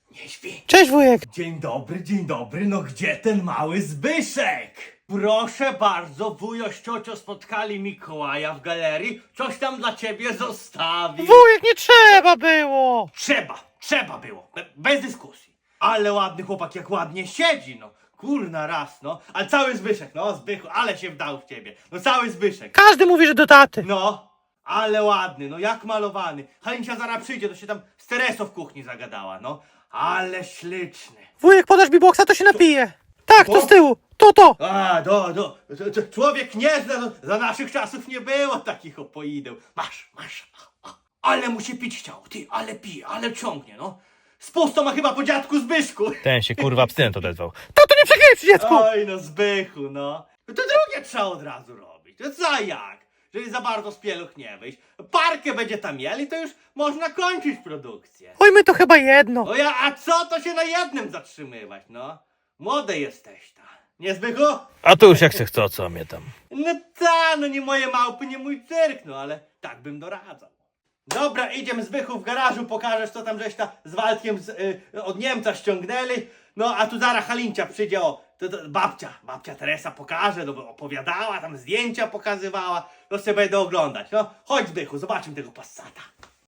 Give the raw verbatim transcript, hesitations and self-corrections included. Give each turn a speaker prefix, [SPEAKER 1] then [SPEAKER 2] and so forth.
[SPEAKER 1] Nie śpi.
[SPEAKER 2] Cześć wujek.
[SPEAKER 1] Dzień dobry, dzień dobry, no gdzie ten mały Zbyszek? Proszę bardzo, wujo z ciocią spotkali Mikołaja w galerii, coś tam dla ciebie zostawił.
[SPEAKER 2] Wujek, nie trzeba było.
[SPEAKER 1] Trzeba, trzeba było, be, bez dyskusji. Ale ładny chłopak, jak ładnie siedzi, no. Kurna raz, no. Ale cały Zbyszek, no Zbychu, ale się wdał w ciebie. No cały Zbyszek.
[SPEAKER 2] Każdy mówi, że do taty.
[SPEAKER 1] No, ale ładny, no jak malowany. Halincia zaraz przyjdzie, to się tam z Teresą w kuchni zagadała, no. Ale śliczny.
[SPEAKER 2] Wujek, podasz mi boksa, to się napije. Tak, to
[SPEAKER 1] O.
[SPEAKER 2] z tyłu. To, to.
[SPEAKER 1] A, do, do, to, to człowiek nie zna, no, za naszych czasów nie było takich opoideł. Masz, masz. A, a, ale mu się pić chciał, ty, ale pije, ale ciągnie, no. Z pustą ma chyba po dziadku Zbyszku.
[SPEAKER 2] Ten się kurwa abstynent odezwał. Tato, nie przegryj przy dziecku.
[SPEAKER 1] Oj, no Zbychu, no. To drugie trzeba od razu robić. To za jak? Jeżeli za bardzo z pieluch nie wyjść. Parkę będzie tam mieli, to już można kończyć produkcję.
[SPEAKER 2] Oj, my to chyba jedno.
[SPEAKER 1] O ja, a co to się na jednym zatrzymywać, no? Młode jesteś ta. Nie Zbychu?
[SPEAKER 2] A to już jak se chce, co mnie tam.
[SPEAKER 1] No ta, no nie moje małpy, nie mój cyrk, no ale tak bym doradzał. Dobra, idziemy Zbychu w garażu, pokażesz co tam żeś ta z Waldkiem z, y, od Niemca ściągnęli. No a tu zaraz Halincia przyjdzie, o, to, to, babcia, babcia Teresa pokaże, no bo opowiadała, tam zdjęcia pokazywała, to sobie będę oglądać. No chodź Zbychu, zobaczymy tego Passata.